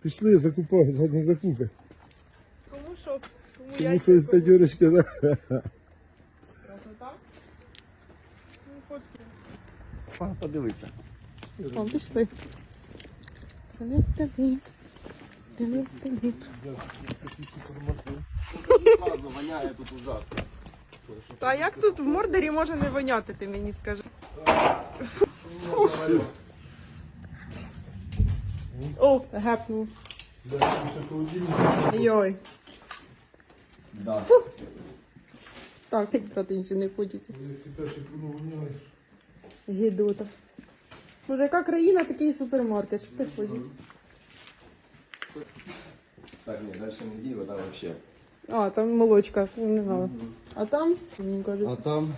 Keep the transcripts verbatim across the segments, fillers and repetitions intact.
Пішли, закупай, задні закупи. Кому що? Кому Тому яйця, що із кому- тадюрочки, да? Красота? Ну, фотки. А, подивися. О, пішли. Привіт, привіт, привіт. Ладно, воняє тут ужасно. Та як тут в Мордорі може не воняти, ти мені скажи? О, гепнув. Йой. Да. Так, як брати нічого не хочеться. Ти перший воно воняєш. Гідота. Може, яка країна, такий супермаркет. Що ти хочеш? Так, ні, далі не діємо, там вообще. А, там молочка, не знала. А там, мені кажуть, А там...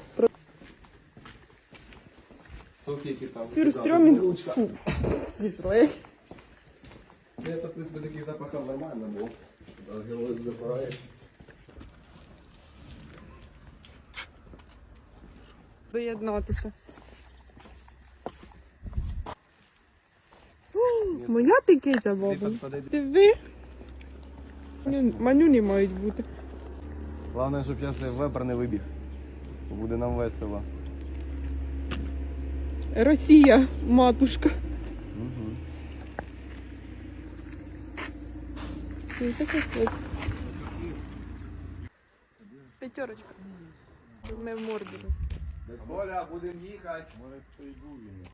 Соки, які там. сюрстрьомінг. Ручка. Фу. Зійшли. Це, в принципі, таких запахів нормально був. Геолог запираєш. Доєднатися. О, моя ти киця, баба. Диви. Маню- Манюні мають бути. Головне, щоб зараз вебер не вибіг. Буде нам весело. Росія, матушка. Угу. Ти таке хочеш? П'ятерочка. Ми в Мордорі. Коля, будемо їхати.